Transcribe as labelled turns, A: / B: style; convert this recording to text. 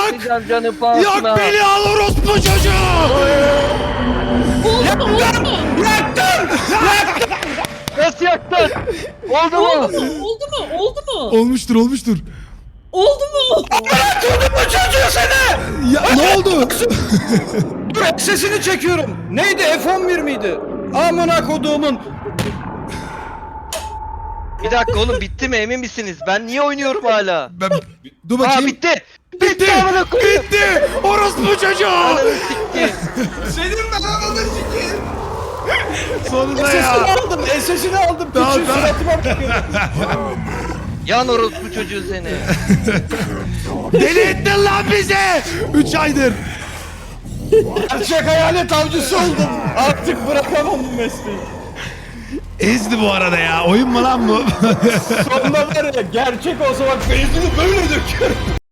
A: Yapmayacağım canım pahasına.
B: Yak beni al orospu çocuğu.
C: Oldu mu?
A: Nasıl yaktın? Oldu mu?
C: Oldu mu? Oldu mu?
B: Olmuştur.
C: Oldu mu?
D: Bu çocuğu seni!
B: Ya ne oldu?
D: Dur sesini çekiyorum. Neydi F11 miydi? Amına koduğumun.
A: Bir dakika oğlum bitti mi emin misiniz? Ben niye oynuyorum hala?
B: Dur
A: Aa
B: bakayım.
A: bitti.
B: Bitti.
A: amına koyayım.
B: Bitti. Orospu çocuğu.
A: Ananı sikti.
D: Senin ben ananı sikeyim.
B: Sonunda
D: Sesini
B: ya.
D: aldım. Sesini aldım.
B: Tamam,
D: Küçük
B: tamam.
D: suratıma bakıyor.
A: Yan orospu çocuğu seni.
B: Deli ettin lan bizi. 3 aydır.
D: Gerçek hayalet avcısı oldum. Artık bırakamam bu mesleği.
B: Ezdi bu arada ya. Oyun mu lan bu?
D: Sonunda var ya gerçek olsa bak benzini böyle döküyorum.